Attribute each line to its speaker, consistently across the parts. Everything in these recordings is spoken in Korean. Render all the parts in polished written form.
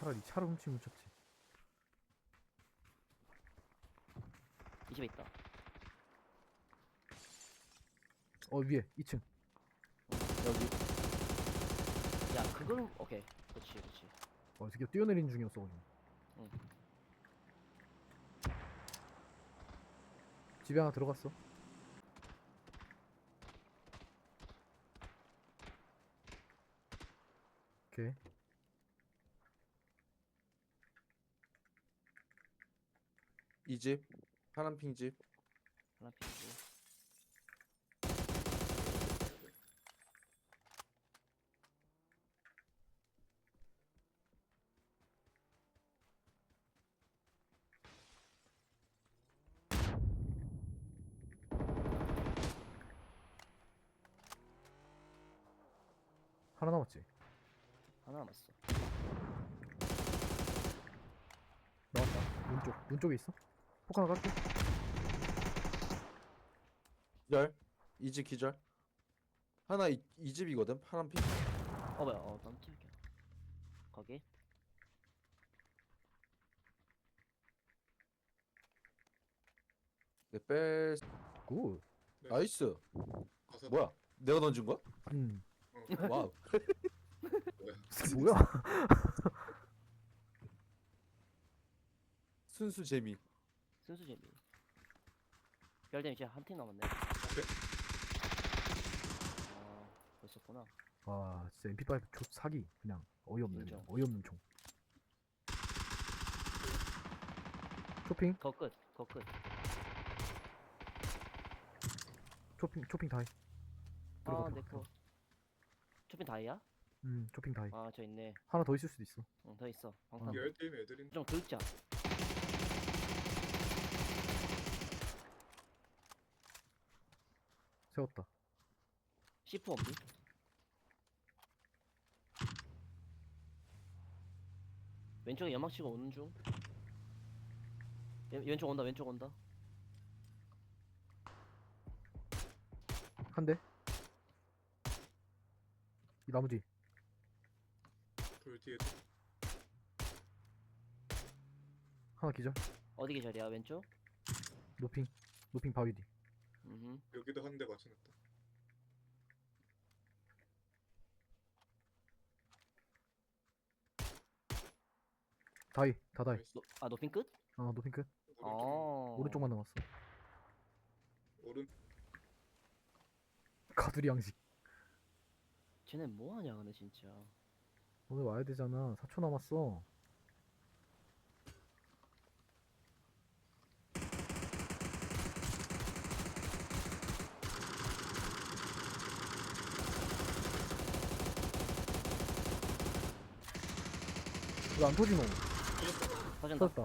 Speaker 1: 차라리 차를 훔치면 훔쳤지.
Speaker 2: 이 집에 있다.
Speaker 1: 위에 2층. 여기.
Speaker 2: 야 그걸 오케이. 그렇지 그렇지.
Speaker 1: 이 새끼 뛰어내린 중이었어 거기.
Speaker 2: 응.
Speaker 1: 집에 하나 들어갔어. 오케이.
Speaker 3: 이 집, 파란핑 집.
Speaker 2: 하나 피고.
Speaker 1: 하나 남았지.
Speaker 2: 하나 남았어.
Speaker 1: 나왔다. 문 쪽에 있어. 폭 하나 갈게.
Speaker 3: 기절. 이 집 기절. 하나 이 집이거든. 파란핑.
Speaker 2: 뭐야? 깜짝이야. 거기.
Speaker 3: 내 뺄.
Speaker 1: 굿.
Speaker 3: 나이스.
Speaker 4: 가서
Speaker 3: 뭐야? 내가 던진 거야?
Speaker 1: 음.
Speaker 3: 와우.
Speaker 1: 뭐야?
Speaker 3: 순수 재미.
Speaker 2: 순수 재미. 별댐 이제 한 팀 남았네. 벌써구나.
Speaker 1: 아, 진짜 MP5 사기. 그냥 어이없는
Speaker 2: 인정.
Speaker 1: 어이없는 총. 쇼핑
Speaker 2: 거 끝.
Speaker 1: 쇼핑 다해. 들어가, 들어가,
Speaker 2: 내거 쇼핑 다이야?
Speaker 1: 쇼핑 다해.
Speaker 2: 저 있네.
Speaker 1: 하나 더 있을 수도 있어.
Speaker 2: 응, 더 있어. 방탄.
Speaker 4: 열대임 애들인
Speaker 2: 좀 긁자.
Speaker 1: 세웠다.
Speaker 2: C4 없니? 왼쪽에 연막 치고 오는 중. 왼쪽 온다.
Speaker 1: 한 대. 이 나무 뒤.
Speaker 4: 돌 뒤에
Speaker 1: 하나 기절.
Speaker 2: 어디 계절이야? 왼쪽?
Speaker 1: 노핑 바위 뒤.
Speaker 4: 여기도 한 대 맞춰놨다.
Speaker 1: 다이. 다 다이.
Speaker 4: 나이스.
Speaker 2: 노핀 끝?
Speaker 1: 노핑 끝.
Speaker 4: 오른쪽
Speaker 1: 오른쪽만 남았어.
Speaker 4: 오른
Speaker 1: 가두리 양식.
Speaker 2: 쟤네 뭐하냐 근데 진짜.
Speaker 1: 오늘 와야 되잖아. 4초 남았어. 왜 안 터지노?
Speaker 2: 터진다.
Speaker 1: 터졌다.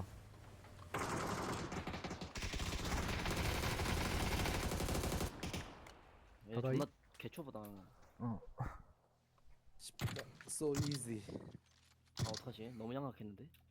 Speaker 2: 얘
Speaker 1: 바다이?
Speaker 2: 존나 개초보다.
Speaker 3: So easy.
Speaker 2: 어떡하지? 너무 양각했는데?